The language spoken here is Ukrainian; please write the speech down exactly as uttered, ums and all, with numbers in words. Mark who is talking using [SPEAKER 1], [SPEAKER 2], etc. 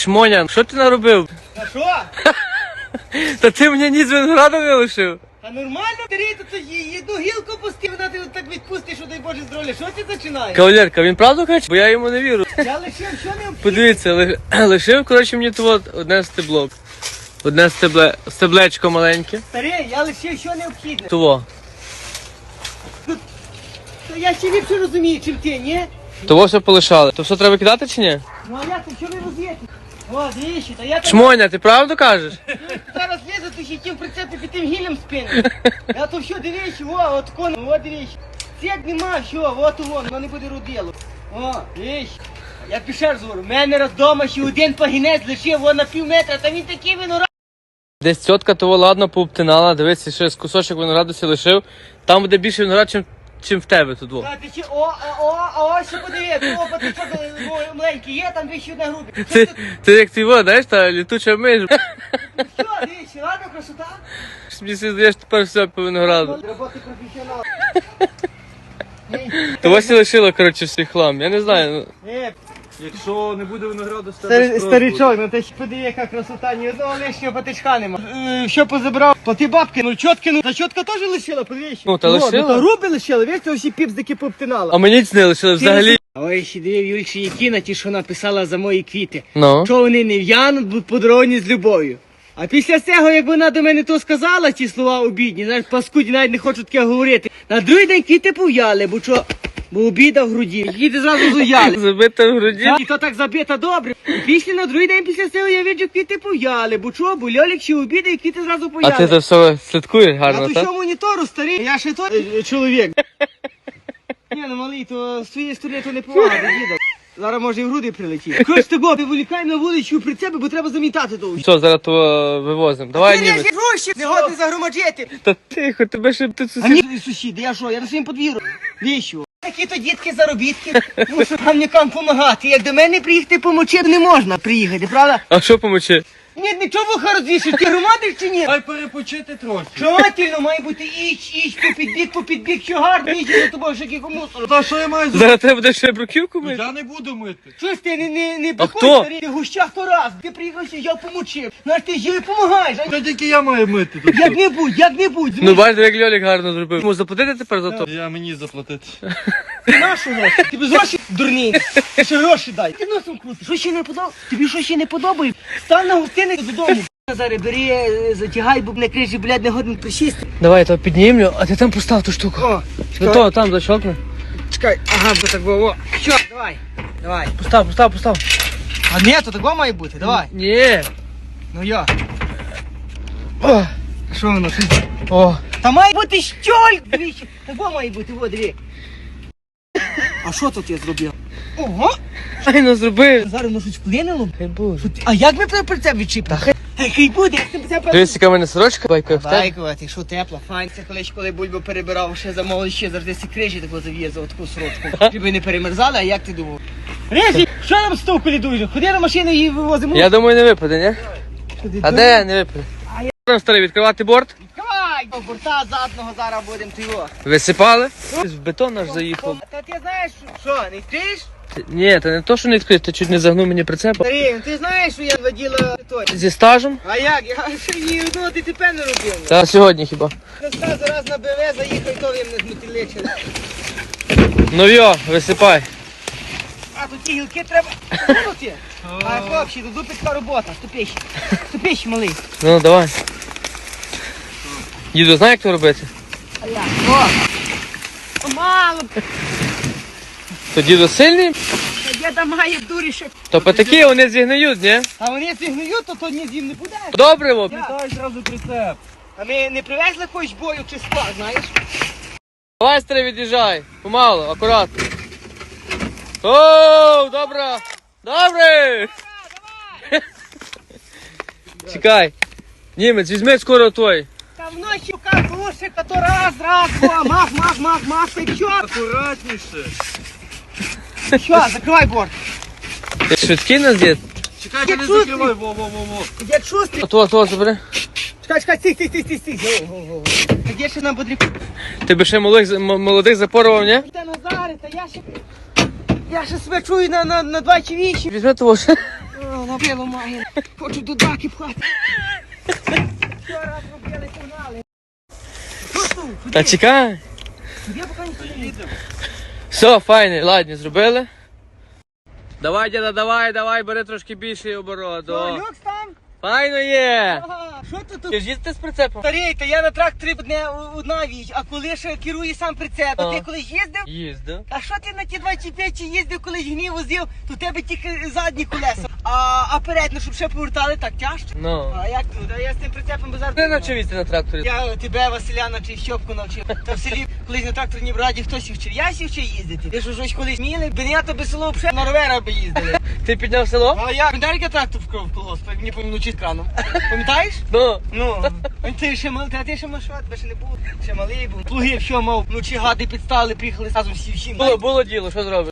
[SPEAKER 1] Шмоня, що ти наробив?
[SPEAKER 2] А що?
[SPEAKER 1] Та ти мені ні з винограду не лишив.
[SPEAKER 2] А нормально, бери, то є одну гілку пусти, вона ти так відпустиш, що дай Боже здоров'я. Що ти починаєш?
[SPEAKER 1] Кавалерка, він правду каже? Бо я йому не вірю.
[SPEAKER 2] Я лишив, що не обхід?
[SPEAKER 1] Подивіться, ли- лишив, коротше, мені тут одне стебло. Одне стебле, стеблечко маленьке.
[SPEAKER 2] Старий, я лишив, що необхідне.
[SPEAKER 1] Того.
[SPEAKER 2] То я ще ліпше розумію, чим ти, ні?
[SPEAKER 1] Того все полишали. То все треба кидати чи ні?
[SPEAKER 2] Ну а як, що ви роз'єте? О, двічі, та я там
[SPEAKER 1] Шмоня, ти правду кажеш?
[SPEAKER 2] зараз лізу, то ще тим прицепи під тим гілем спину. Я то що, дивіться, о, от кон, о, дивіться. Сєк нема, що, от вон, воно не буде родило. О, дивіться. Я пішов говорю, в мене раз вдома ще один пагінець лишив, вон на пів метра, та він такий виноград.
[SPEAKER 1] Десь тітка того ладно пообтинала, дивися, ще з кусочок винограду сі лишив. Там буде більше виноград, чим, чим в тебе тут. Во.
[SPEAKER 2] А ти ще, о, а, о, а ось ще подивись, о, ти що, о, маленький є, там двічі одна група. Що
[SPEAKER 1] Ти,
[SPEAKER 2] ти,
[SPEAKER 1] ти як ти во, знаєш, та літуча миш.
[SPEAKER 2] що, дивіться, ладно, красота?
[SPEAKER 1] Мені здаєш тепер все по винограду.
[SPEAKER 2] Роботи професіонал.
[SPEAKER 1] Того сі лишила, коротше, свій хлам. Я не знаю. ну.
[SPEAKER 2] Е,
[SPEAKER 3] Якщо не буде винограду, з тебе
[SPEAKER 2] Старий,
[SPEAKER 3] спрос
[SPEAKER 2] старичок, ну ти ж подиви, яка красота, ні одного лишнього патичка нема. Е, Що позабрав? То ти бабки, ну чотки, ну та чотка теж лишила, подивись.
[SPEAKER 1] Ну, та
[SPEAKER 2] О,
[SPEAKER 1] лишила.
[SPEAKER 2] Ну, та груби лишила, весь ось і піпздики пообтинала.
[SPEAKER 1] А мені це не лишили взагалі.
[SPEAKER 2] Ой, ще дивив Юльчі Якіна, ті, що написала за мої квіти.
[SPEAKER 1] Ну.
[SPEAKER 2] Що вони не в'януть, будуть подаровані з любов'ю. А після цього, як вона до мене то сказала, ті слова обідні, знаєш, паскуді навіть не хочу таке говорити. На другий день квіти пов'яли, бо що, бо обіда в груді. Квіти зразу зуяли.
[SPEAKER 1] Забита в груді.
[SPEAKER 2] І то так забито добре. І після на другий день після цього я виджу, квіти пов'яли, бо чого, бо Льолік ще обідає, і квіти зразу
[SPEAKER 1] А
[SPEAKER 2] пов'яли.
[SPEAKER 1] ти це все слідкуєш
[SPEAKER 2] Я
[SPEAKER 1] гарно,
[SPEAKER 2] то
[SPEAKER 1] так?
[SPEAKER 2] що монітору старий, я ще той е, чоловік. Ні, ну малий, то з твоєї сторони то не повага, діда. Зараз може і в груди прилетіти. Хоч того, виволікаємо на вулицю при тебе, бо треба замітати то.
[SPEAKER 1] Що, зараз то вивозимо. Давай,
[SPEAKER 2] Ти не
[SPEAKER 1] німець.
[SPEAKER 2] гроші, не годний загромаджити.
[SPEAKER 1] Та тихо, тебе ще тут
[SPEAKER 2] А
[SPEAKER 1] сусід.
[SPEAKER 2] мені сусіди, я що, я на своїм подвір'ю. Віщо? Такі то дітки заробітки, мушу гамнякам допомагати. Як до мене приїхати помочи, не можна приїхати, правда?
[SPEAKER 1] А що помочи?
[SPEAKER 2] Ні, нічого вуха розвішиш, ти громадиш чи ні?
[SPEAKER 3] Дай перепочити трохи.
[SPEAKER 2] Желательно має бути іч, іч, по підбік, по підбік, що гарно, іч, за тобою ще кілька мусору.
[SPEAKER 3] Та що я маю зробити?
[SPEAKER 1] Зараз треба буде ще бруківку мити?
[SPEAKER 3] Я не буду мити.
[SPEAKER 2] Щось ти не, не, не
[SPEAKER 1] А
[SPEAKER 2] бикуй,
[SPEAKER 1] хто?
[SPEAKER 2] старий, ти гущах то раз, ти приїхав, що я помочив. Знаєш, ти їй допомагаєш, а
[SPEAKER 3] Та тільки я маю мити тут.
[SPEAKER 2] як-небудь, як-небудь,
[SPEAKER 1] Ну бачите, як Льолік гарно зробив. Йому заплатити тепер за то?
[SPEAKER 3] Я мені заплатити.
[SPEAKER 2] ти нашу гроші, ти без гроші дурний, ти ще гроші дай. Ти носом крути, що ще не подобає? Тобі що ще не подобає? Стань на гостиниць додому. Зараз бери, е, затягай, бо на крижі, блядь, не годен присісти.
[SPEAKER 1] Давай, я то піднімлю, а ти там постав ту штуку.
[SPEAKER 2] О,
[SPEAKER 1] Ну то, там защелкни.
[SPEAKER 2] чекай, ага, бо так було. Що, давай, давай.
[SPEAKER 1] Постав, постав, постав.
[SPEAKER 2] А ні, то такого має бути, давай.
[SPEAKER 1] Ні.
[SPEAKER 2] Ну я.
[SPEAKER 1] О,
[SPEAKER 2] Що воно? Що?
[SPEAKER 1] о.
[SPEAKER 2] Та має бути щоль! Двічі. Такого має бути, во, дві. А що тут я зробив? Ого!
[SPEAKER 1] Файно зробив.
[SPEAKER 2] Зараз воно щось вплинуло.
[SPEAKER 1] Хай Боже.
[SPEAKER 2] А як ми при це відчіпли? Хай буде, як ти це
[SPEAKER 1] Дивись, яка в мене сорочка, байка в тебе.
[SPEAKER 2] Байкова, що тепла, файн. Це колись, коли бульбу перебирав, ще замовили ще завжди ці крижі таку зав'язав, таку сорочку. Щоб не перемерзали, а як ти думав? Режі, що нам з того колідуєш? Ходи на машину і вивозимо.
[SPEAKER 1] Я думаю, не випаде, ні?
[SPEAKER 2] Туди,
[SPEAKER 1] А
[SPEAKER 2] туди.
[SPEAKER 1] де не випаде?
[SPEAKER 2] А я-
[SPEAKER 1] Там старий, відкривати борт.
[SPEAKER 2] Давай! Борта задного зараз будемо ти його.
[SPEAKER 1] Висипали. В бетон аж заїхав.
[SPEAKER 2] Та ти знаєш, що, не йдеш?
[SPEAKER 1] Ти- Ні, це не то, що не відкрив, ти чуть не загнув мені прицепа.
[SPEAKER 2] Старий, ти знаєш, що я воділа той.
[SPEAKER 1] Зі стажем?
[SPEAKER 2] А як? Я ще ні одного ДТП не робив.
[SPEAKER 1] Та сьогодні хіба.
[SPEAKER 2] Христа зараз на БВ заїхав, і то їм не змотиличили.
[SPEAKER 1] Ну йо, висипай.
[SPEAKER 2] А тут ті гілки треба кинути. А хлопці, тут дупицька робота, ступіщ. Ступіщ, малий.
[SPEAKER 1] Ну, давай. Діду, знає, як то робити?
[SPEAKER 2] А як? О! О, мало.
[SPEAKER 1] То діду сильний,
[SPEAKER 2] Та діда має дурі ще.
[SPEAKER 1] то патаки вони зігниють, ні?
[SPEAKER 2] А вони зігнують, то то ні з ним не буде.
[SPEAKER 1] Добре, во.
[SPEAKER 3] Дай зразу прицеп.
[SPEAKER 2] А ми не привезли якогось бою чи скла, знаєш?
[SPEAKER 1] Давай, старий, від'їжджай. Помалу, акуратно. Оу, добре. Добре. Чекай. Німець, візьми скоро той.
[SPEAKER 2] Та вночі как глушика, то раз, раз, два, мах, мах, мах, мах, ти що?
[SPEAKER 3] Акуратніше.
[SPEAKER 2] Що, закривай борт.
[SPEAKER 1] Ти швидкий нас, дід?
[SPEAKER 3] Чекай,
[SPEAKER 2] Я
[SPEAKER 3] не
[SPEAKER 2] чувствую.
[SPEAKER 3] закривай, во-во-во-во.
[SPEAKER 2] Я чувствую.
[SPEAKER 1] Ото, ото, забери.
[SPEAKER 2] Чекай, чекай, стій, стій, стій, стій, стій. Го, го, го. Та де ще нам потрібно?
[SPEAKER 1] Ти би ще молодих, м- молодих запорував, ні?
[SPEAKER 2] Та Назаре, та я ще... Я ще себе чую на, на, на два чи вісім.
[SPEAKER 1] Візьми того ще.
[SPEAKER 2] О, набило має. Хочу до даки пхати. Вчора робили, погнали. Що тут?
[SPEAKER 1] Та чекай.
[SPEAKER 2] Я поки не їду.
[SPEAKER 1] Все, файне, ладні, зробили. Давай, діда, давай, давай, бери трошки більший оборот.
[SPEAKER 2] Що,
[SPEAKER 1] О.
[SPEAKER 2] люкс там?
[SPEAKER 1] Файно є.
[SPEAKER 2] Ага, що тут?
[SPEAKER 1] Ти ж їздите з прицепом?
[SPEAKER 2] Старий, та я на тракторі одне одна віч, а коли ще керує сам прицеп,
[SPEAKER 1] А.
[SPEAKER 2] то ти колись їздив?
[SPEAKER 1] Їздив.
[SPEAKER 2] А що ти на ті двадцять п'ять їздив, коли гнів возив, то у тебе тільки задні колеса. А, а передні, щоб ще повертали, так тяжче.
[SPEAKER 1] Ну.
[SPEAKER 2] А як тут? А я з тим прицепом базар.
[SPEAKER 1] Ти навчив їздити на тракторі?
[SPEAKER 2] Я тебе, Василя, навчив, Щопку навчив. Та в селі колись на тракторній браді хтось їх вчив. Я сів ще їздити. Ти що щось колись міли, бенята би село вже на ровера би їздили.
[SPEAKER 1] Ти підняв село?
[SPEAKER 2] А як? Пам'ятаєш, як я трактор вкрав в колгосп, як мені помінучи з краном? Пам'ятаєш?
[SPEAKER 1] Ну.
[SPEAKER 2] Ну, ти ще малий, а ти ще малий, тебе ще не було. Ще малий був. Плуги, що мав, вночі гади підстали, приїхали разом всі всі.
[SPEAKER 1] Було, було діло, що зробиш?